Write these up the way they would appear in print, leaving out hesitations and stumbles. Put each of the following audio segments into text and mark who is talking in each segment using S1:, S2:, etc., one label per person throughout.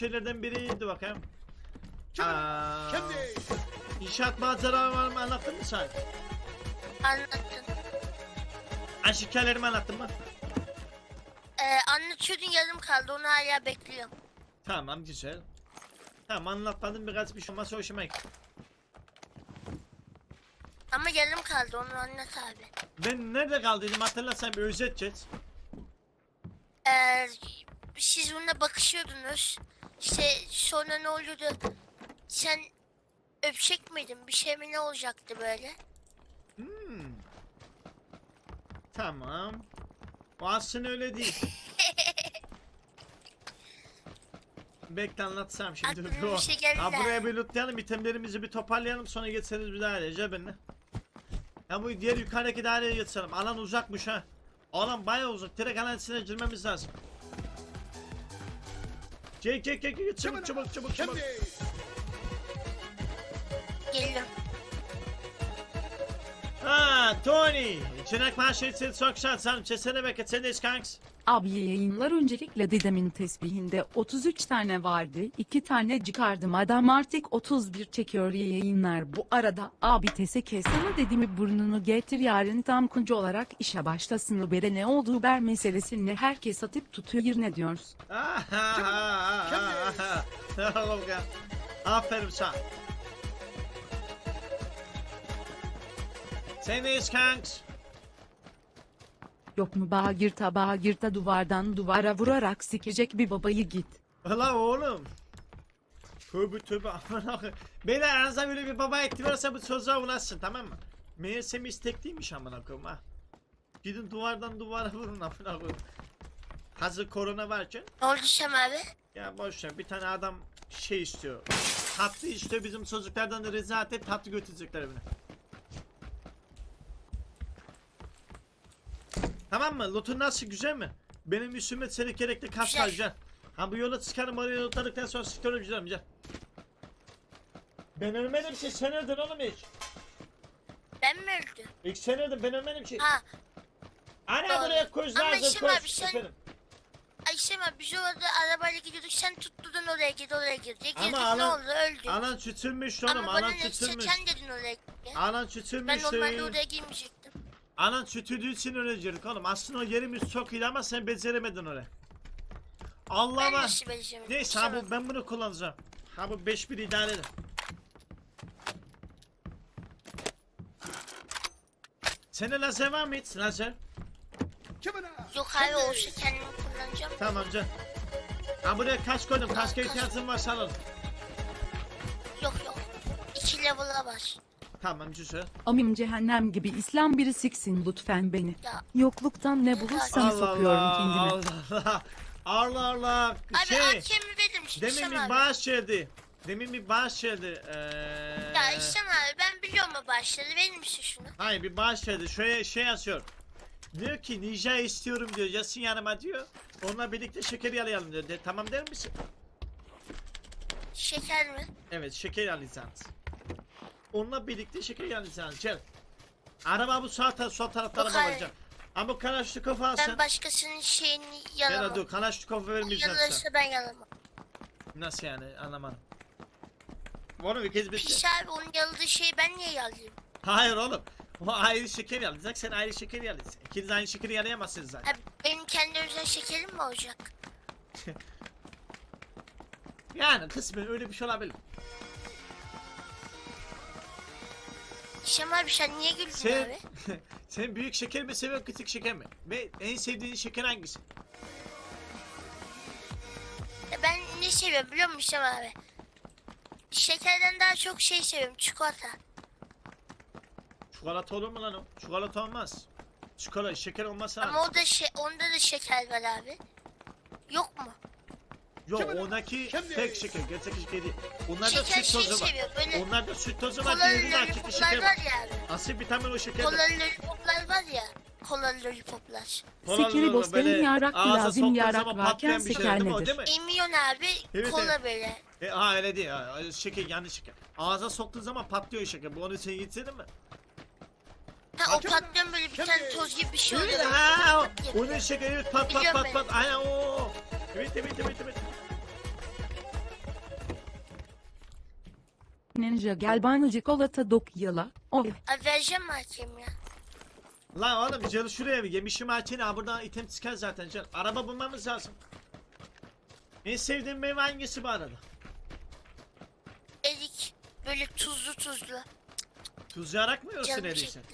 S1: şeylerden biriydi bakayım.
S2: Şimdi.
S1: İnşaat maceralarımı anlattın mı sen?
S3: Anlattın.
S1: Aşk hikayelerimi anlattın mı?
S3: Anlatıyordun yarım kaldı onu hala bekliyorum.
S1: Tamam güzel. Tamam anlatmadın birkaç bir şey olmazsa hoşuma gitti.
S3: Ama yarım kaldı onu anlat abi.
S1: Ben nerede kaldıydım hatırlarsan bir özet geç.
S3: Siz bununla bakışıyordunuz. İşte sonra ne oluyordu? Sen öpecek miydin? Bir şey mi ne olacaktı böyle?
S1: Tamam. O aslında öyle değil. Bekle anlatsam şimdi.
S3: Aklıma bir şey geldi.
S1: Ha, buraya bir lootlayalım, itemlerimizi bir toparlayalım sonra geçeriz bir dairece benimle. Ya bu diğer yukarıdaki daireye geçelim. Alan uzakmış ha. Alan bayağı uzak. Direkt alan içine girmemiz lazım. Çek çabuk.
S2: Şimdi.
S3: Geliyorum.
S1: Ha Tony. Çenek mahşetsin çok şansan. Çesene beket sen de kanks.
S4: Abi yayınlar öncelikle dedemin tesbihinde 33 tane vardı. 2 tane çıkardım adam artık 31 çekiyor yayınlar. Bu arada abi tese kessene dediğimi burnunu getir yarın tam kuncu olarak işe başlasın. Ubere ne olduğu Uber meselesini herkes atıp tutuyor ne diyoruz?
S1: Aferin sana. Sen de kanks.
S4: Yok mu bağırta duvardan duvara vurarak sikecek bir babayı git.
S1: Ulan oğlum. Tövbe aman akı. Beyler aranızda böyle bir baba etti varsa bu çocuğa ulaşsın tamam mı? Meğersem istekliymiş amına koyayım ha. Gidin duvardan duvara vurun amına koyayım. Hazır korona varken.
S3: Ne oldu Şam abi?
S1: Ya boşver bir tane adam şey istiyor. Tatlı istiyor bizim çocuklardan da rezalet et tatlı götürecekler evine. Tamam mı? Loot'un nasıl güzel mi? Benim üstüme senin gerekli kas
S3: Güzel.
S1: güzel. Ha bu yola çıkarım oraya lootladıktan sonra sıkıyorum güzel. Ben ölmedim ki sen öldün oğlum hiç.
S3: Ben mi öldüm?
S1: İlk sen öldün ben ölmedim ki.
S3: Ha.
S1: Ana
S3: Doğru.
S1: buraya koş
S3: Ama
S1: lazım
S3: Şam abi
S1: koş.
S3: sen-
S1: Efendim.
S3: Ay Şam abi biz orada arabayla gidiyorduk sen tutturdun oraya git oraya gir diye
S1: Ama
S3: girdik ne
S1: anan-
S3: oldu öldü.
S1: Anan çütülmüş oğlum
S3: Ama bana
S1: anan
S3: ne sen
S1: çütülmüş.
S3: dedin oraya git diye.
S1: Anan
S3: Ben
S1: çütülmüş.
S3: normalde oraya girmeyecektim.
S1: Anan çütüldüğü için öyle girdik oğlum. Aslında o yerimiz çok iyiydi ama sen beceremedin oraya.
S3: Ben
S1: Allah'ıma.
S3: nasıl vereceğim?
S1: Neyse
S3: Şam
S1: abi ben bunu kullanacağım. Ha bu 5-1 idare edin. Sende lazer var mı hiç? Lazer.
S2: Şimdi.
S3: Yok abi olsa kendimi kullanacağım.
S1: Tamam can. Ha buraya kaç koydum. Kaçka ihtiyacın varsa alalım.
S3: Yok. 2 level'a var.
S1: Tamam güzel.
S4: Amim cehennem gibi İslam biri siksin lütfen beni.
S3: Ya.
S4: Yokluktan ne bulursam sokuyorum kendime.
S1: Allah.
S3: Abi hakemi verir misin
S1: Demin
S3: İşem
S1: bir
S3: abi?
S1: bağış geldi. Demin bir bağış geldi.
S3: Ya İşem abi ben biliyorum o başları verir misin şunu?
S1: Hayır bir bağış geldi. Şöyle şey yazıyor. Diyor ki ninja istiyorum diyor. Yasın yanıma diyor. Onunla birlikte şeker yalayalım diyor. Tamam der misin?
S3: Şeker mi?
S1: Evet şeker yalayacağız. Onunla birlikte şeker yalayacağız. Gel. Araba bu sol tarafta
S3: Yok,
S1: araba
S3: hayır.
S1: var. Ama Kalaşnikov alsın.
S3: Ben başkasının şeyini
S1: Gel
S3: yalamam.
S1: dur Kalaşnikov vermeyeceğim sana.
S3: Yalarsa ben yalamam.
S1: Nasıl yani anlamadım. Oğlum bir kez bitti.
S3: Pis abi onun yaladığı şeyi ben niye yalayayım?
S1: Hayır oğlum. O ayrı şeker yalayacak sen ayrı şeker yalayacaksın. İkiniz aynı şekeri yalayamazsınız zaten.
S3: Abi benim kendi özel şekerim mi olacak?
S1: Yani kısmen öyle bir şey olabilir.
S3: İşem abi sen niye güldün
S1: Sen,
S3: abi?
S1: sen büyük şeker mi seviyorsun küçük şeker mi? Ve en sevdiğin şeker hangisi?
S3: Ben ne seviyorum biliyor musun İşem abi? Şekerden daha çok şey seviyorum çikolata.
S1: Çikolata olur mu lan o? Çikolata olmaz. Çikolata şeker olmazsa.
S3: Ama o da onda da şeker var abi. Yok mu?
S1: Yok ondaki tek şeker gerçek şeker değil. Onlarda
S3: Şeker
S1: süt
S3: şey
S1: tozu var.
S3: seviyor böyle.
S1: Onlarda süt tozu var.
S3: Kolalı
S1: Diğerinde hakiki
S3: lollipoplar
S1: şeker
S3: var
S1: var.
S3: ya abi.
S1: Asıl vitamin o şekerdir.
S3: Kolalı lollipoplar var ya. Kolalı lollipoplar.
S4: Sikiri bosterin yarak
S1: ağza
S4: lazım
S1: soktuğun
S4: yarak
S1: zaman
S4: varken
S1: patlayan bir şey,
S4: seker
S1: değil mi o,
S4: nedir?
S1: değil mi?
S3: Emiyon abi
S1: Evet,
S3: kola
S1: evet.
S3: böyle.
S1: Ha öyle değil ha. Şeker yanlış şeker. Ağza soktuğun zaman patlıyor şeker. Bu onu sen yedin mi?
S3: Ha o patlayan böyle bir tane toz gibi bir şey oluyor.
S1: Evet ha.
S3: Pat diye.
S1: Onun şekeri pat pat
S3: Biliyorum
S1: pat pat. Aynen o. Evet.
S4: Ninja gel bana çikolata dokyala. O
S3: Abi vereceğim mi hakem ya?
S1: Lan oğlum canı şuraya bir yemişim açını ha buradan item çıkar zaten can. Araba bulmamız lazım. En sevdiğim meyve hangisi bu arada?
S3: Erik böyle tuzlu.
S1: Tuz yarak mı yiyorsun
S3: Canım
S1: eriysen?
S3: çekti.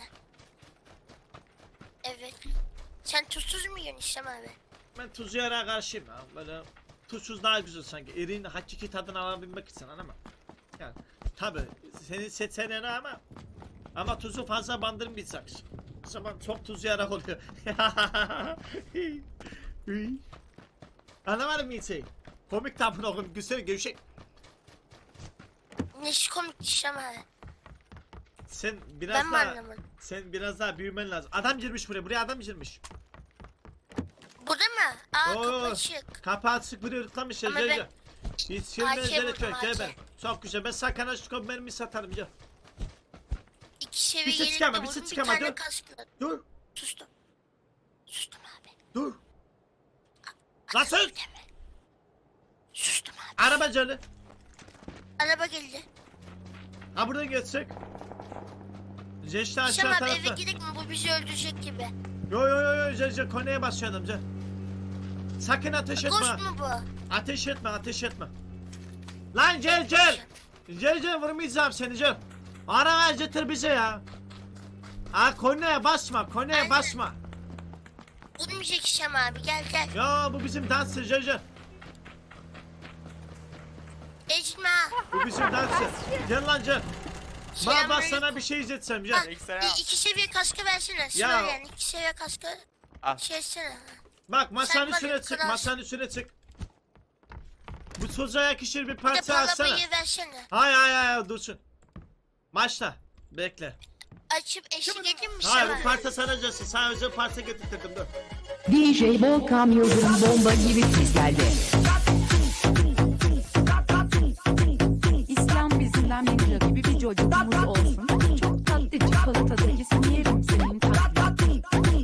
S3: Evet. Sen tuzsuz mu yiyorsun İslam abi?
S1: Ben tuz yarağa karşıyım ya. Böyle tuzsuz daha güzel sanki. Eriğin hakiki tadını alabilmek için ama. Yani tabi senin seçeneğin ama tuzu fazla bandırmayacak. O zaman çok tuz yarak oluyor. Anlamadım mı şey? Komik tabun oğlum güzel gevşek.
S3: Neşi komik İslam abi.
S1: Sen biraz
S3: Ben mi
S1: daha
S3: anlamadım?
S1: sen biraz daha büyümen lazım. Adam girmiş buraya adam girmiş.
S3: Burada mı? Aa
S1: Oo,
S3: kapı açık.
S1: Kapağı açık buraya ırtlamış ya.
S3: Ama
S1: Gel
S3: ben-
S1: gel. Hiç şirmez
S3: AK
S1: gerek
S3: buldum,
S1: yok gel
S3: AK.
S1: ben. Çok güzel ben sakana şu mermi satarım gel.
S3: 2 seviye
S1: Bir şey
S3: yerinde
S1: çıkama, bir
S3: vurdum,
S1: şey
S3: bir
S1: çıkama,
S3: tane
S1: dur.
S3: kaskla.
S1: Dur
S3: Sustum. Sustum abi.
S1: dur. Lan sus.
S3: Deme. Sustum abi.
S1: Araba canı.
S3: Araba geldi.
S1: Ha buradan geçecek. Ceşte aşağı
S3: İslam abi eve
S1: tarafta.
S3: gidelim mi? Bu bizi öldürecek gibi.
S1: Yo Cece koneye basıyor adam Cece. Sakın ateş etme.
S3: Ghost mu bu?
S1: Ateş etme. Lan Cel vurmayacağım seni Cel. Ara ver getir bize ya. Ha koneye basma
S3: Aynen.
S1: basma.
S3: Vurmayacak İslam abi gel.
S1: Ya bu bizim dansçı Cece.
S3: Ecma.
S1: Bu bizim dansçı. Gel lan Cel. Baba
S3: Selamünaleyküm.
S1: sana bir şey izletsem
S3: Ha,
S1: Cel.
S3: 2 seviye kaskı versene.
S1: Ya.
S3: Sıra yani 2 seviye kaskı.
S5: Al.
S3: Şey etsene.
S1: Bak masanın
S3: Sen bana
S1: üstüne çık
S3: kral.
S1: masanın üstüne çık. Bu çocuğa yakışır bir
S3: Bir de
S1: parça
S3: bu
S1: alsana.
S3: arabayı versene.
S1: Hayır dursun. Başla. Bekle.
S3: Açıp eşlik edeyim mi
S1: Hayır
S3: İslam
S1: bu
S3: abi?
S1: parça sana gelsin. Sana özel parça getirttirdim dur.
S6: DJ Volkan Yıldırım bomba gibi siz geldi.
S4: İslam bizimden ninja gibi bir çocuğumuz olsun. Çok tatlı çikolata dokyasını yerim senin tatlın.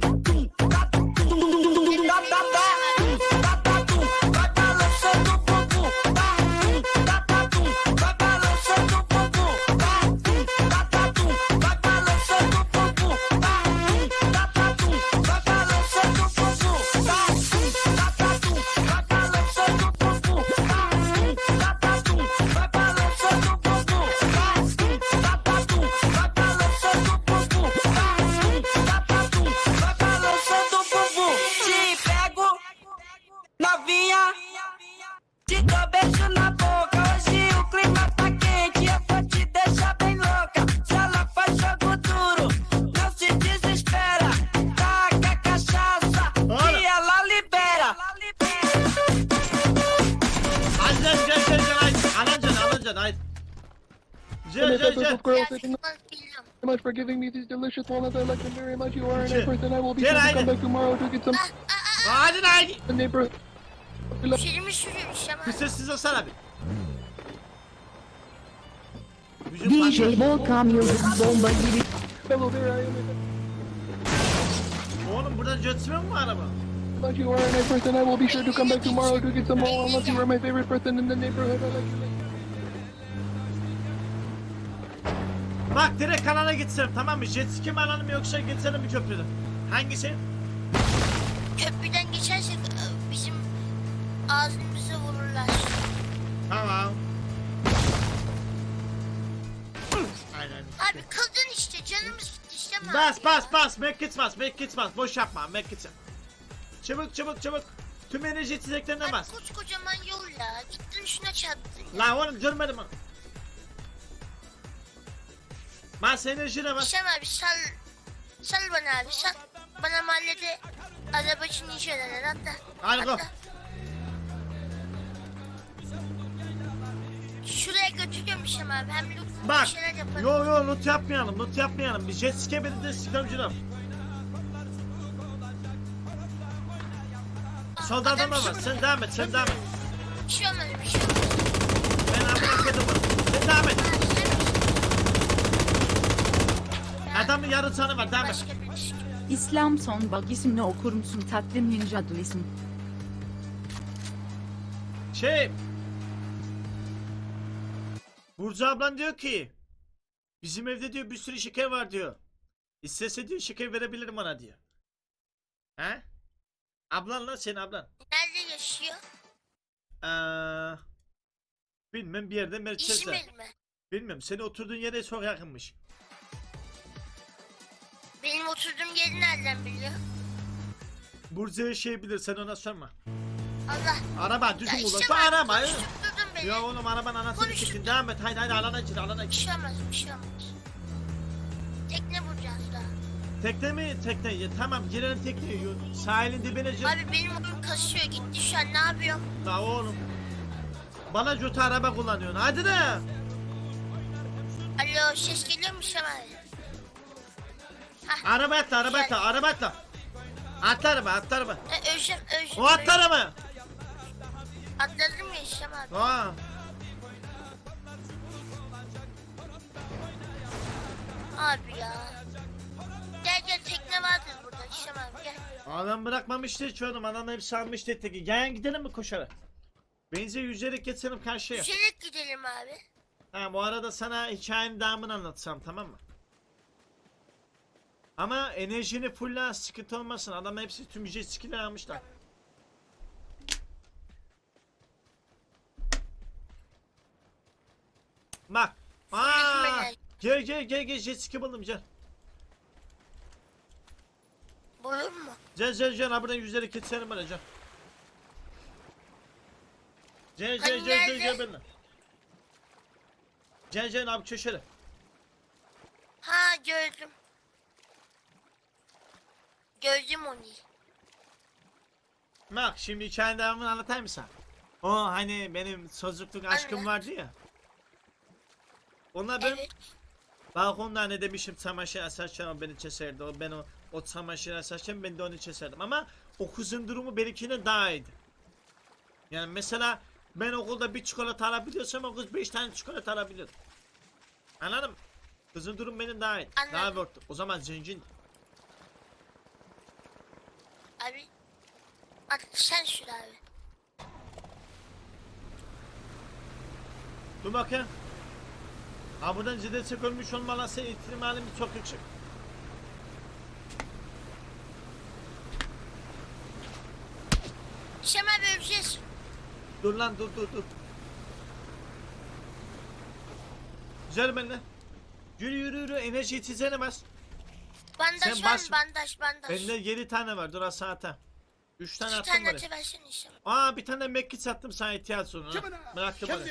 S7: Te pego, novinha, te dou beijo na boca. Hoje o clima tá quente, eu vou te deixar bem louca. Se ela faz jogo duro, não se desespera. Taca cachaça e ela libera.
S1: Hadi lan gel haydi. Alacaksın haydi. Gel.
S3: Ya
S2: Girl, thank you
S3: bilmiyorum.
S2: so much for giving me these delicious walnuts. I like them very much. You are a
S1: Gel.
S2: nice person. I will be
S1: Gel,
S2: sure to
S1: haydi.
S2: come back tomorrow to get some
S1: Haydi.
S2: in the neighborhood.
S3: Şerimi sürüyor İslam
S1: Bir
S3: abi.
S1: sessiz olsana bir.
S6: DJ Volkan Yıldırım bomba gibi.
S2: Hello there, I am.
S1: Oğlum buradan götürmüyor mu araba?
S2: But you are a nice person. I will be sure to come back tomorrow to get some more walnuts. You are my favorite person in the neighborhood. I like you.
S1: Bak direkt kanala gitsem tamam mı? Jet ski mi alalım yoksa geçelim bir köprüden? Hangisi?
S3: Köprüden geçersek bizim ağzımızı vururlar.
S1: Tamam. Aynen.
S3: Abi kadın işte canımız gitti İslam abi.
S1: Bas. Medkit bas. Boş yapma. Medkit. Çabuk. Tüm enerji içeceklerine
S3: Abi
S1: bas.
S3: koskocaman yol ya. Gittin şuna çarptın ya.
S1: Lan oğlum görmedim onu. Bas enerjine bas.
S3: İslam abi sal bana abi sal. Bana mahallede arabacı ninjalar hatta.
S1: Hadi go.
S3: Şuraya götürüyorum İslam abi. Hem loot
S1: Bak.
S3: bir şeyler yaparım.
S1: Yo loot yapmayalım. Bir jet ski'ye beni de sıkıntı. Solda adam var. Sen devam et.
S3: Bir şey olmaz bir şey olmaz.
S1: Ben amına koydum bunu. Sen devam et. Adamın yarı canı var. Devam et.
S3: Başka bir iş.
S4: İslam son bak ismini okur musun tatlı ninja duisim.
S1: Burcu ablan diyor ki bizim evde diyor bir sürü şeker var diyor. İstese diyor şeker verebilirim ona diyor. He? Ablan lan senin ablan.
S3: Nerede yaşıyor?
S1: Bilmem bir yerde merkezde.
S3: İzmir mi?
S1: Bilmem senin oturduğun yere çok yakınmış.
S3: Benim oturduğum yeri nereden biliyor?
S1: Burcu'ya şey bilir sen ona sorma.
S3: Allah.
S1: Araba düzgün
S3: Ya
S1: kullan.
S3: işte
S1: Şu
S3: ben
S1: araba.
S3: konuşturdun beni.
S1: Ya oğlum arabanın anasını
S3: Konuştuk.
S1: siktin. Devam et. Haydi alana gir alana
S3: Bir
S1: gir.
S3: şey olmaz, bir şey olmaz. Tekne vuracağız daha.
S1: Tekne mi? Tekne. Ya, tamam girelim tekneye. Sahilin dibine gir.
S3: Abi benim oyun kasıyor gitti şu an ne yapıyorum?
S1: La oğlum. Bana kötü araba kullanıyorsun. Hadi de.
S3: Alo ses geliyor mu Şam abi?
S1: Araba atla araba atla araba atla. Atla araba atla araba.
S3: Özlem.
S1: O atla araba.
S3: Atladım ya Şam abi.
S1: Aa.
S3: Abi ya. Gel gel tekne vardır burada Şam abi gel.
S1: Adam bırakmamıştı hiç oğlum. Adam hepsi almıştı teki. Gel gidelim mi koşarak? Benzi yüzerek geçelim karşıya.
S3: Yüzerek gidelim abi.
S1: Ha bu arada sana hikayenin devamını anlatsam tamam mı? Ama enerjini fulla sıkıntı olmasın. Adam hepsi tüm jet ski'leri almışlar. Bak. Aa! Gel jet ski buldum gel.
S3: Bulur mu?
S1: Gel ha buradan yüzerek geçelim bana gel. Gel
S3: Hani nerede?
S1: benimle. Gel abi köşede.
S3: Ha gördüm. Gördüm onu.
S1: Bak şimdi hikayenin devamını anlatayım mı sana? O hani benim çocukluk aşkım
S3: Anlat.
S1: vardı ya. Ona ben
S3: Evet.
S1: balkonda ne demişim çamaşır asarken o beni keserdi. O çamaşır asarken ben de onu keserdim. Ama o kızın durumu benimkine daha iyiydi. Yani mesela ben okulda bir çikolata alabiliyorsam o kız 5 tane çikolata alabiliyordu. Anladın mı? Kızın durumu benim daha iyiydi. Daha
S3: Anladım.
S1: work'tu. O zaman zengin.
S3: Abi. At sen sür abi.
S1: Dur bakayım. Ha buradan ciddi ölmüş olmalısı ihtimalim çok yüksek.
S3: Şam abi öleceğiz.
S1: Dur lan dur. Güzel benimle. Yürü enerji içeceğine bas.
S3: Bandaj
S1: Sen
S3: var
S1: bas.
S3: mı? Bandaj.
S1: Bende 7 tane var dur asata. 3 tane
S3: İki
S1: attım
S3: tane
S1: buraya.
S3: atıversin Şam.
S1: Aa bir tane mekki sattım sana ihtiyaç sonra. Bıraktım bana.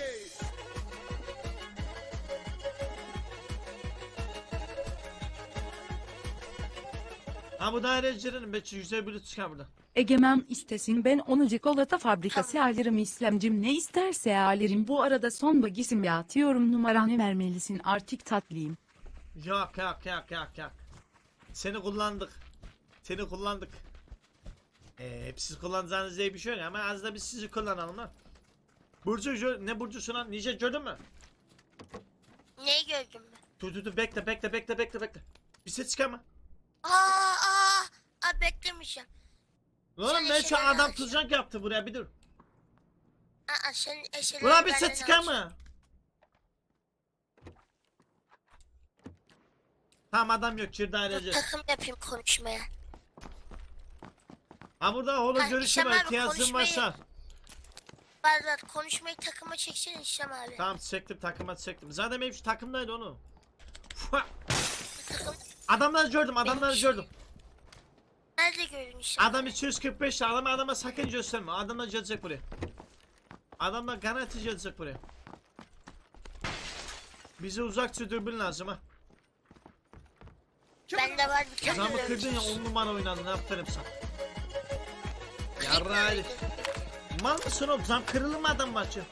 S1: Ha bu dairecilerin belki güzel bir çıkar burada.
S4: Egemen istesin ben onu çikolata fabrikası alırım İslamcım ne isterse alırım bu arada son bagisim ya atıyorum numaranı vermelisin artık tatlıyım.
S1: Yok. Seni kullandık. Hep siz kullanacağınız diye bir şey yok ama az da biz sizi kullanalım lan. Burcu ne Burcu'su lan? Nice gördün mü?
S3: Neyi gördün mü?
S1: Dur bekle. Bir ses çıkarma.
S3: Aa beklemeyeceğim.
S1: Oğlum
S3: Sen
S1: ben şu
S3: eşeğini
S1: adam
S3: alacağım.
S1: tuzak yaptı buraya bir dur.
S3: Sen eşeleri
S1: Ulan bir
S3: benden
S1: ses çıkarma. Tamam adam yok çir
S3: Dur,
S1: daireci.
S3: takım yapayım konuşmaya.
S1: Ha burada oğlum
S3: Ha,
S1: görüşüm
S3: İslam
S1: var
S3: abi,
S1: ihtiyacın
S3: konuşmayı-
S1: varsa.
S3: Bazen konuşmayı takıma çeksene Şam abi.
S1: Tamam çektim takıma çektim. Zaten benim şu takımdaydı onu. Fua!
S3: Takım
S1: Adamları gördüm.
S3: nerede gördün Şam?
S1: Adam 245 adama sakın gösterme. Adamlar gelecek buraya. Adamlar garanti gelecek buraya. Bize uzakça dürbün lazım ha.
S3: Bende var bir tane.
S1: Zamı kırdın ya
S3: öleceğiz.
S1: 10 numara oynadın aferin sana.
S3: Kırık
S1: Yarrağıydı.
S3: mıydı?
S1: Mal mısın oğlum? Zam kırılır mı adam maçı?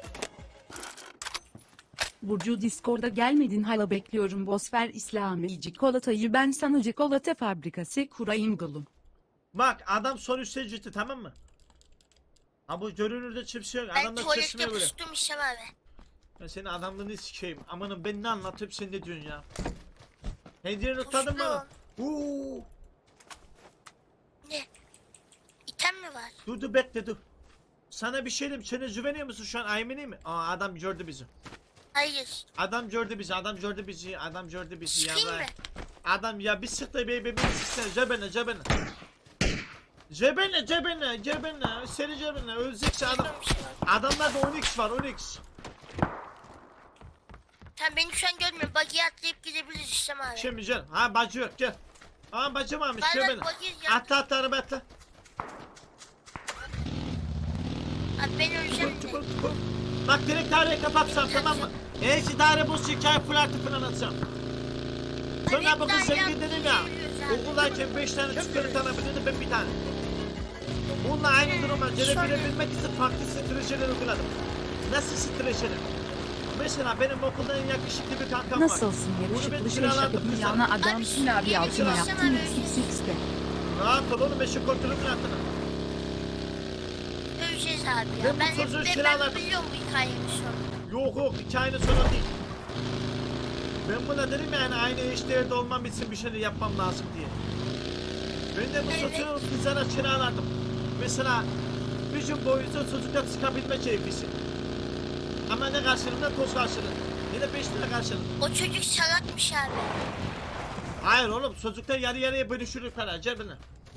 S4: Burcu Discord'a gelmedin hala bekliyorum Bosfer İslami çikolatayı ben sana çikolata fabrikası kurayım gülüm.
S1: Bak adam son üstte ciddi tamam mı? Ha bu görünürde çipsi yok.
S3: Ben
S1: Adamlar
S3: tuvalette
S1: çeşmeye böyle.
S3: pustum Şam abi.
S1: Ben senin adamlığını sikeyim. Amanım ben ne anlatıp sen ne diyorsun ya? Hediye notladın mı?
S3: Pustum.
S1: Uuu.
S3: Ne? İtem mi var?
S1: Dur bekle dur. Sana bir şey diyeyim. Sen güveniyor musun şu an Aymen'i mi? Aa adam gördü bizi.
S3: Hayır.
S1: Adam gördü bizi, adam gördü bizi, adam gördü bizi
S3: Sıkayım
S1: ya.
S3: mı?
S1: Adam ya bir sıktı bebeği sıksana cebine cebine. Cebine cebine cebine seni cebine ölecekse adam.
S3: Bilmiyorum bir şey var.
S1: Adamlarda 10x var 10x.
S3: Sen beni şu an görmüyorsun. Buggy'e atlayıp gidebiliriz İslam abi.
S1: Şimdi gel. Ha bacı yok gel. Aa bacı varmış
S3: Ben
S1: cebine.
S3: buggy ya.
S1: Atla atla araba atla.
S3: Abi ben öleceğim de.
S1: Bak direkt daireyi kapatsam tamam mı? Eğer ki daire boş hikaye full artı falan atsam. Sonra
S3: hep
S1: bu kız
S3: daire
S1: zengin dedim ya.
S3: yapıyoruz abi.
S1: Okuldayken 5 tane çikolata alabiliyordu ben bir tane. Bununla aynı duruma gelebilmek için farklı streçeler uyguladım. Nasıl streçeler? Mesela benim okulda en yakışıklı bir kankam var.
S4: Nasılsın
S1: Bunu ben
S4: yakışıklı
S1: kiralardım
S4: şaşırdı
S1: kızlar.
S4: dünyana adamsın abi
S3: Yeni
S4: altına
S3: çalışan
S4: yaptın
S3: abi.
S4: XXX'de.
S1: Rahat ol oğlum eşi kontrolümün altına.
S3: Öleceğiz abi
S1: Ben
S3: ya.
S1: bu
S3: Ben hep
S1: çocuğu
S3: ben
S1: kiraladım.
S3: biliyorum bu hikayenin sonunu.
S1: Yok yok hikayenin sonu değil. Ben buna dedim yani aynı eşdeğerde olmam için bir şeyler yapmam lazım diye. Ben de bu
S3: Evet.
S1: sosyal kızlara kiralardım. Mesela bir gün boyunca çocuklar çıkabilme keyfisi. Ama ne karşılığında toz karşılığı. Ne de 5 lira karşılığı.
S3: O çocuk salakmış abi.
S1: Hayır oğlum çocuklar yarı yarıya bölüşürür para cebine.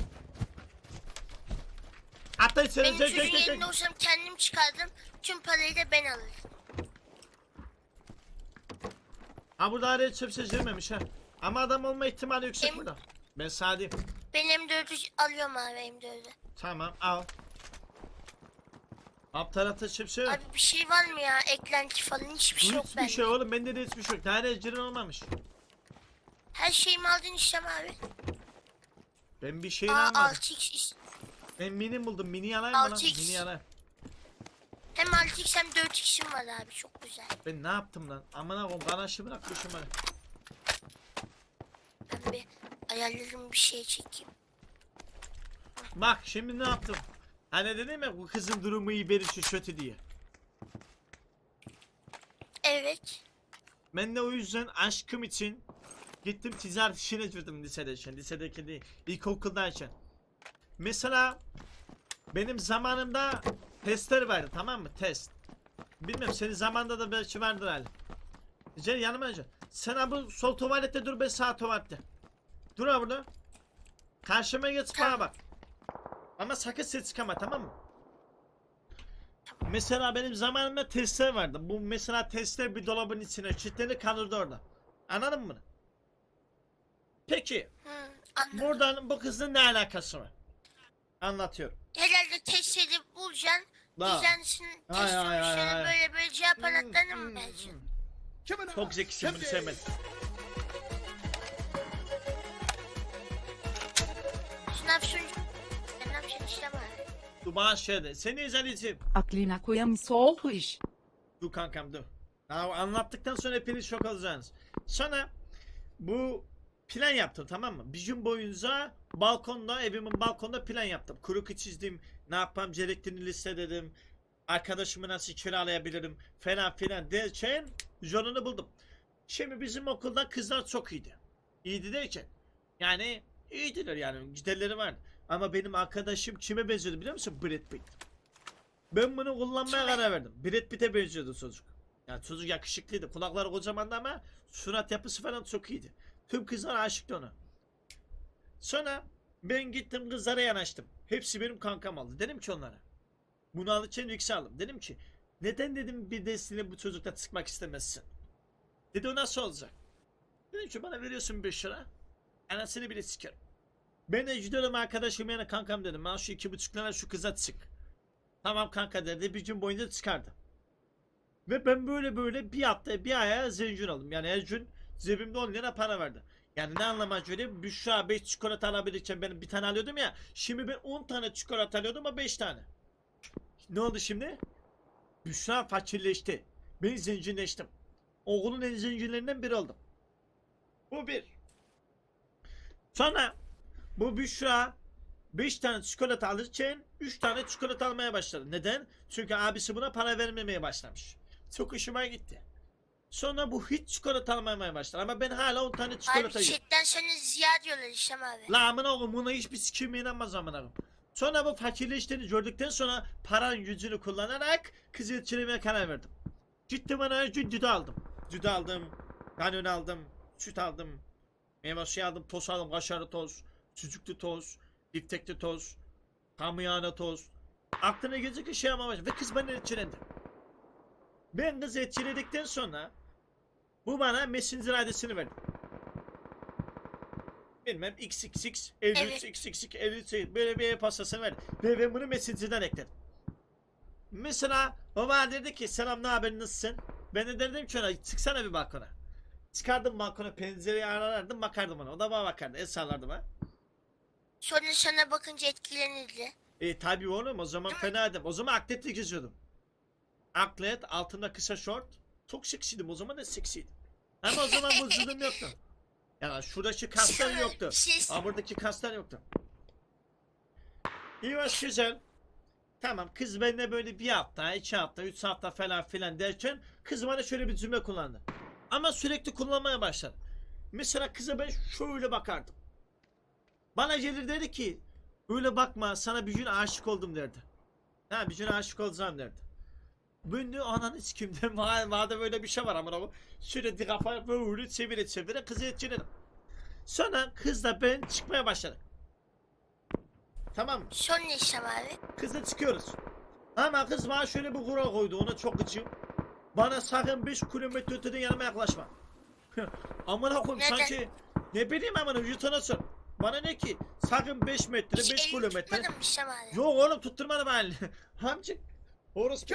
S1: Hatta içeri
S3: Benim çocuğun yerinde olsam kendim çıkardım. Tüm parayı da ben alırım.
S1: Ha burada araya çöpse girmemiş ha. Ama adam olma ihtimali yüksek
S3: Em-
S1: burada. Ben sadeyim.
S3: Ben M4'ü alıyorum abi M4'ü.
S1: Tamam al. Alt tarafta çöpse yok.
S3: Abi bir şey var mı ya? Eklenti falan hiçbir şey yok
S1: Hiçbir
S3: bende.
S1: şey oğlum bende de hiçbir şey yok. Tane ecirin olmamış.
S3: Her şeyimi aldın İslam abi.
S1: Ben bir şeyini
S3: Aa
S1: almadım.
S3: 6x.
S1: Ben mini buldum. Mini alayım mı lan?
S3: 6x.
S1: Mini alayım.
S3: Hem 6x hem 4x'im var abi çok güzel.
S1: Ben ne yaptım lan? Aman akım kanaşı bırakmışım bana.
S3: Ben bir ayarlarım bir şey çekeyim.
S1: Bak şimdi ne yaptım? Hani dedim ya bu kızın durumu iyi beri şu kötü diye.
S3: Evet.
S1: Ben de o yüzden aşkım için gittim ticaret işine girdim lisedeyken. Lisedeki değil, ilkokuldayken. Mesela benim zamanımda testler vardı tamam mı? Test. Bilmem senin zamanında da belki vardır hali. Gel yanıma gel. Sen ha bu sol tuvalette dur ben sağ tuvalette. Dur ha burada. Karşıma geç bana bak. Ama sakın ses çıkama tamam mı? Mesela benim zamanımda testler vardı. Bu mesela testler bir dolabın içine kilitlenir kalırdı orada. Anladın mı bunu? Peki
S3: Anladım.
S1: buradan bu kızın ne alakası var? Anlatıyorum.
S3: Herhalde test edip bulacaksın.
S1: La.
S3: Düzensin test
S1: Ay, ay, ay,
S3: sonuçlarını
S1: ay.
S3: böyle böyle cevap anahtarına mı vereceksin?
S1: Çok zekisin bunu sevmedim.
S3: Sınav sonucu. Ben ne yapacağım İslam abi?
S1: Dur bana şey de. Seni izleyeceğim.
S4: Aklına koyamısı oldu iş.
S1: Dur kankam dur. Ya anlattıktan sonra hepiniz şok olacaksınız. Sonra bu plan yaptım tamam mı? Bir gün boyunca balkonda evimin balkonda plan yaptım. Kuruku çizdim. Ne yapmam gerektiğini listeledim. Arkadaşımı nasıl kiralayabilirim falan filan derken yolunu buldum. Şimdi bizim okulda kızlar çok iyiydi. İyiydi derken yani iyiydiler yani giderleri vardı. Ama benim arkadaşım kime benziyordu biliyor musun? Brad Pitt. Ben bunu kullanmaya karar verdim. Brad Pitt'e benziyordu çocuk. Yani çocuk yakışıklıydı. Kulakları kocamandı ama surat yapısı falan çok iyiydi. Tüm kızlar aşıktı ona. Sonra ben gittim kızlara yanaştım. Hepsi benim kankam oldu. Dedim ki onlara. Bunu alırken yükseldim. Dedim ki neden dedim bir destini bu çocukla sıkmak istemezsin? Dedi o nasıl olacak? Dedim ki bana veriyorsun 5 lira. Anasını bile sikerim. Ben de gidiyorum arkadaşım yana kankam dedim. Ben şu 2,5 lira şu kıza sık. Tamam kanka dedi. Bir gün boyunca çıkardı. Ve ben böyle bir hafta bir aya zengin oldum. Yani her gün cebimde 10 lira para vardı. Yani ne anlama söyleyeyim? Büşra 5 çikolata alabilirken ben bir tane alıyordum ya. Şimdi ben 10 tane çikolata alıyordum ama 5 tane. Ne oldu şimdi? Büşra fakirleşti. Ben zenginleştim. Okulun en zenginlerinden biri oldum. Bu bir. Sonra bu Büşra 5 tane çikolata alırken 3 tane çikolata almaya başladı. Neden? Çünkü abisi buna para vermemeye başlamış. Çok hoşuma gitti. Sonra bu hiç çikolata almamaya başladı ama ben hala 10 tane çikolata
S3: Abi
S1: yiyorum.
S3: chatten sana ziya diyorlar İslam abi.
S1: La amına oğlum buna hiçbir sikim inanmaz amına oğlum. Sonra bu fakirleştiğini gördükten sonra paranın gücünü kullanarak kızı etkilemeye karar verdim. Gittim bana düdü aldım. Düdü aldım. Kanyon aldım. Süt aldım. Meyve suyu aldım. Toz aldım. Kaşarlı toz. Sucuklu toz. Biftekli toz. Kamyana toz. Aklına gelecek bir şey ama ve kız bana etkilendi. Ben kızı etkiledikten sonra bu bana Messenger adresini verdi. Bilmem xxx 53
S3: Evet.
S1: xxx 53 böyle bir pastasını verdi. Ve ben bunu Messenger'dan ekledim. Mesela o bana dedi ki selam ne haber nasılsın? Ben de dedim ki ona çıksana bir balkona. Çıkardım balkona pencereyi arardım bakardım ona. O da bana bakardı. El sallardım ha.
S3: Sonra sana bakınca etkilenirdi.
S1: Tabii oğlum o zaman fenaydım. O zaman atletle geziyordum. Atlet altında kısa şort. Çok seksiydim o zaman da seksiydim. Ama o zaman vücudum yoktu. Yani şuradaki kaslar yoktu. Ama buradaki kaslar yoktu. İyi hoş güzel. Tamam kız benimle böyle bir hafta, 2 hafta, 3 hafta falan filan derken kız bana şöyle bir cümle kullandı. Ama sürekli kullanmaya başladı. Mesela kıza ben şöyle bakardım. Bana gelir dedi ki öyle bakma sana bir gün aşık oldum derdi. Ha bir gün aşık olacağım derdi. Ben de ananı sikimden madem böyle bir şey var ama bu sürekli kafayı böyle çevire kızı etkiledim. Sonra kızla ben çıkmaya başladık. Tamam mı?
S3: Sonra İslam abi.
S1: Kızla çıkıyoruz. Ama kız bana şöyle bir kural koydu ona çok gıcığım. Bana sakın 5 kilometre öteden yanıma yaklaşma. Amına koyayım
S3: Neden?
S1: sanki ne bileyim amına yutana sor. Bana ne ki sakın 5 metre 5
S3: Hiç elini
S1: kilometre.
S3: tutmadın mı İslam abi?
S1: Yok oğlum tutturmadım halini. Hamcık. Orası.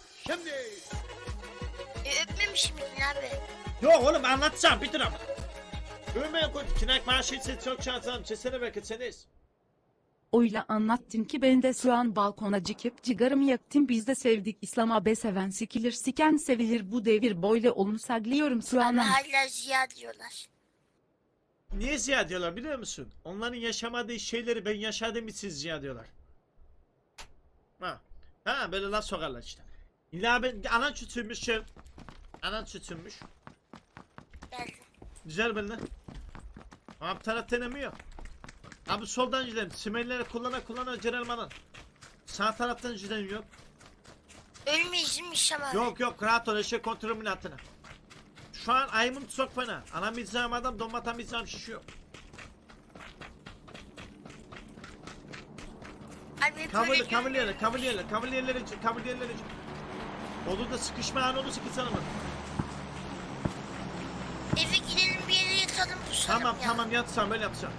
S3: Öpmemiş miydin abi?
S1: Yok oğlum anlatacağım bitir ama. Övmeye koy. Kinak maaşı için çok şansım. Çesene belki seniz.
S4: Öyle anlattın ki ben de şu an balkona çıkıp cigarımı yaktım biz de sevdik İslam abi seven sikilir siken sevilir bu devir böyle onu sagliyorum şu
S3: Abi
S4: an.
S3: hala Ziya diyorlar.
S1: Niye ziya diyorlar biliyor musun? Onların yaşamadığı şeyleri ben yaşadığım için ziya diyorlar. Ha böyle laf sokarlar işte. İlla ben anan çütünmüş şey. Anan çütünmüş.
S3: Geldim.
S1: Güzel benimle. Abi taraf denemiyor. Abi soldan gidelim. Simenleri kullana Cerelman'ın. Sağ taraftan gidelim yok.
S3: Ölmeyiz değil mi İslam abi?
S1: Yok rahat ol eşek kontrolümün altına. Şu an ayımın çok fena. Anam izleyeceğim adam donmatan izleyeceğim şişiyor.
S3: Abi böyle
S1: Kavalyerlere. Olur da sıkışma anı olursa ki sana mı?
S3: eve gidelim bir yere yatalım pusalım ya.
S1: Tamam yatsam böyle yapacağım.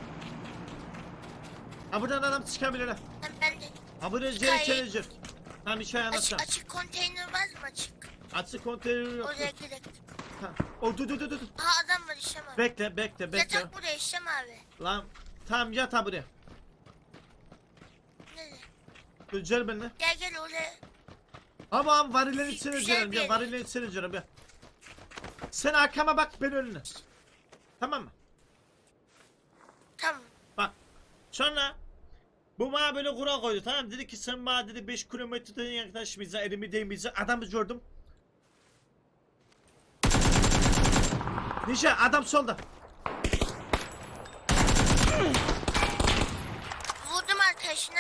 S1: Ha buradan adam çıkabilir ha.
S3: Ben de
S1: Ha buraya
S3: Çıkayım.
S1: gelecek. Tamam hikaye anlatacağım.
S3: açık konteyner var mı açık?
S1: Açık konteyner yok.
S3: Oraya gidelim.
S1: Ha. O dur.
S3: Aha adam var İslam abi.
S1: Bekle.
S3: Yatak buraya İslam abi.
S1: Lan tamam yat ha buraya.
S3: Nerede?
S1: Dur gel benimle.
S3: Gel oraya.
S1: Ama varillerin içine
S3: Güzel
S1: girelim
S3: bir
S1: ya
S3: yer.
S1: varillerin içine girelim ya. Sen arkama bak ben önüne. Tamam mı?
S3: Tamam.
S1: Bak. Sonra bu bana böyle kural koydu tamam mı? Dedi ki sen bana dedi 5 kilometreden yaklaşmayacaksın elimi değmeyeceksin. Adamı gördüm. Ninja adam solda.
S3: Vurdum arkadaşına.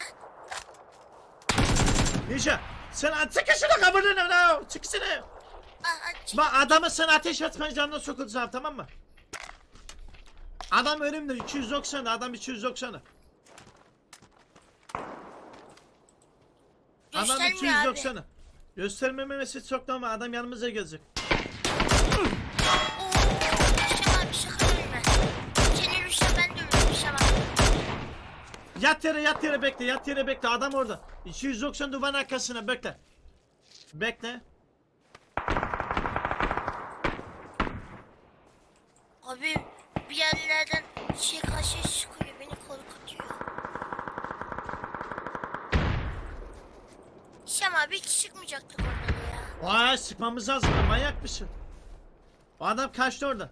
S1: Ninja sen çık şuna kabullen çıksana.
S3: Aç.
S1: Bak adamı sen ateş atman canına sokulacağım tamam mı? Adam önümde 290 adam 290. Adam
S3: Göstermiyor abi.
S1: 290. Göstermemesi çok normal adam yanımıza gelecek.
S3: Oo, İslam abi sakın ölme. Seni ölürse ben de ölürüm İslam abi.
S1: Yat yere bekle adam orada. 290 duvarın arkasına bekle. Bekle.
S3: Abi bir yerlerden karşı çıkıyor beni korkutuyor. İslam abi hiç çıkmayacaktık onları ya.
S1: Vay sıkmamız lazım manyak mısın? O adam kaçtı orada.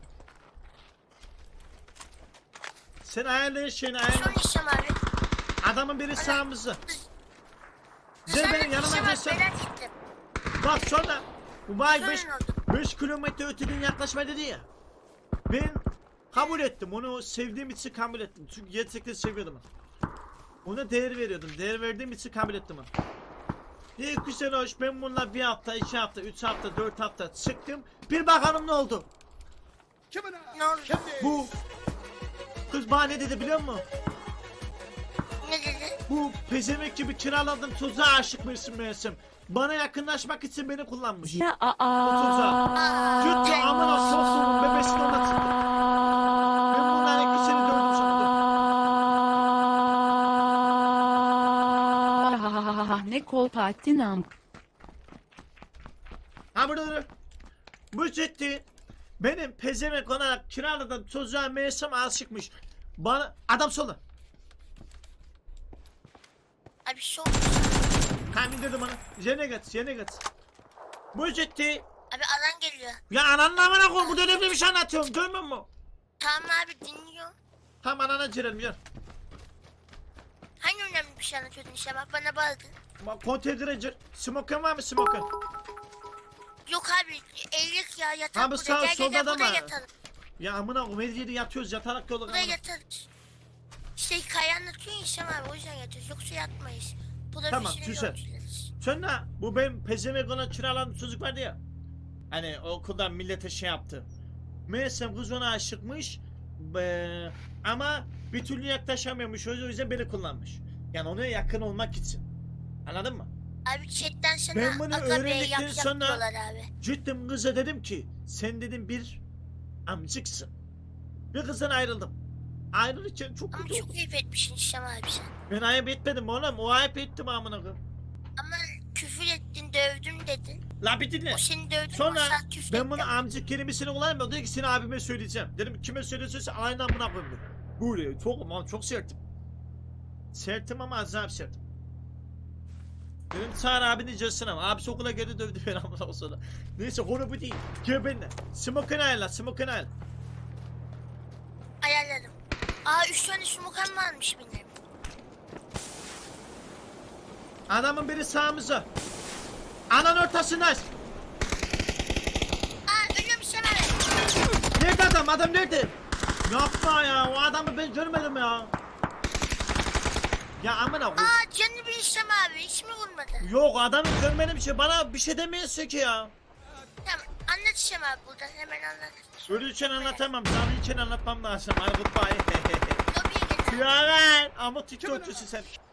S1: Sen ayarlayın şeyini ayarla.
S3: Son İslam abi.
S1: Adamın biri sağımızda. Gel
S3: Sen
S1: benim
S3: de
S1: yanıma
S3: İslam abi
S1: gelsene.
S3: merak ettim.
S1: Bak sonra. Bu bay
S3: Sorun
S1: 5
S3: oldu.
S1: kilometre öteden yaklaşma dedi ya. Ben kabul ettim. Onu sevdiğim için kabul ettim. Çünkü gerçekten seviyordum onu. Ona değer veriyordum. Değer verdiğim için kabul ettim onu. İyi güzel hoş, ben bununla 1 hafta, 2 hafta, 3 hafta, 4 hafta çıktım. Bir bakalım ne oldu?
S3: Ne oldu?
S1: Bu kız bana ne dedi biliyor musun?
S3: Ne dedi?
S1: Bu pezemek gibi kiraladığım tuzağa aşık mısın meğersem? Bana yakınlaşmak için beni kullanmış.
S4: Ya
S1: Gitti amına soktuğumun bebesini ona tıktı. Ben bunların ikisini dövdüm sandım.
S4: Ne kolpatinam.
S1: Ha burada dur. Bu ciddi. Benim pezemek olarak kiraladığım tuzağa meğersem aşıkmış. Bana adam sola.
S3: Abi şu
S1: Kamin dedim bana. Yerine git. Bu ciddi.
S3: Abi alan geliyor.
S1: Ya ananın amına koy, bu önemli bir şey anlatıyorum, görmüyor musun?
S3: Tamam abi dinliyor.
S1: Tamam anana girelim gel.
S3: Hangi önemli bir şey anlatıyordun işte bak bana bağırdın.
S1: Bak konteynere gir. Smoken var mı smoken?
S3: Yok abi eğilik ya yatak
S1: Abi
S3: burada.
S1: sağ
S3: Gel
S1: solda da
S3: burada
S1: mı?
S3: yatalım.
S1: Ya amına koy, her yerde yatıyoruz, yatarak yolu
S3: Burada
S1: kalmadı.
S3: yatarız. İşte hikaye anlatıyor ya İşte abi o yüzden yatıyoruz. Yoksa yatmayız. Bu da
S1: Tamam,
S3: bizim
S1: güzel.
S3: yolcularız.
S1: Sonra bu benim pezemek olan kiralandığım çocuk vardı ya. Hani okuldan millete şey yaptı. Meğersem kız ona aşıkmış. Ama bir türlü yaklaşamıyormuş, o yüzden beni kullanmış. Yani ona yakın olmak için. Anladın mı?
S3: Abi chatten sana
S1: Ben bunu
S3: aga bey
S1: öğrendikten
S3: yap
S1: sonra-
S3: diyorlar abi.
S1: Gittim kıza dedim ki sen dedim bir amcıksın. Bir kızdan ayrıldım. Ayrılırken çok
S3: Ama
S1: kötü oldu.
S3: çok ayıp etmişsin İşte abi sen.
S1: Ben ayıp etmedim oğlum, o ayıp ettim amına koyayım.
S3: Ama küfür ettin dövdüm dedin.
S1: La bir dinle.
S3: O seni dövdü.
S1: Sonra
S3: o sen küfür
S1: ben bunu
S3: ettin.
S1: amcık kelimesini kullanmıyorum. Dedi ki seni abime söyleyeceğim. Dedim kime söylüyorsa aynı amına koyayım dedim. Böyle çok sertim. Sertim ama azap sertim. Dedim çağır abini cılsın ama. Abisi okula geri dövdü beni amına sonra. Neyse konu bu değil. Gel benimle. Smoke'un ayarla, smoke'un ayarla.
S3: Ayarladım. Aa 3 tane smokan varmış benim.
S1: Adamın biri sağımıza. Anan ortasındayız.
S3: Aa ölüyorum İşte abi.
S1: Nerede adam? Adam nerede? Yapma ya. O adamı ben görmedim ya. Ya amına koy.
S3: Aa canını bir İşte abi. Hiç mi vurmadı?
S1: Yok adamı görmedim ki. Bana bir şey demiyorsun ki ya.
S3: Tamam anlat İşte abi buradan hemen anlat.
S1: Ölürken anlatamam. Canlıyken anlatmam lazım. Ay goodbye.
S3: Lobiye getir.
S1: Ya ver. Ama TikTokçusun sen.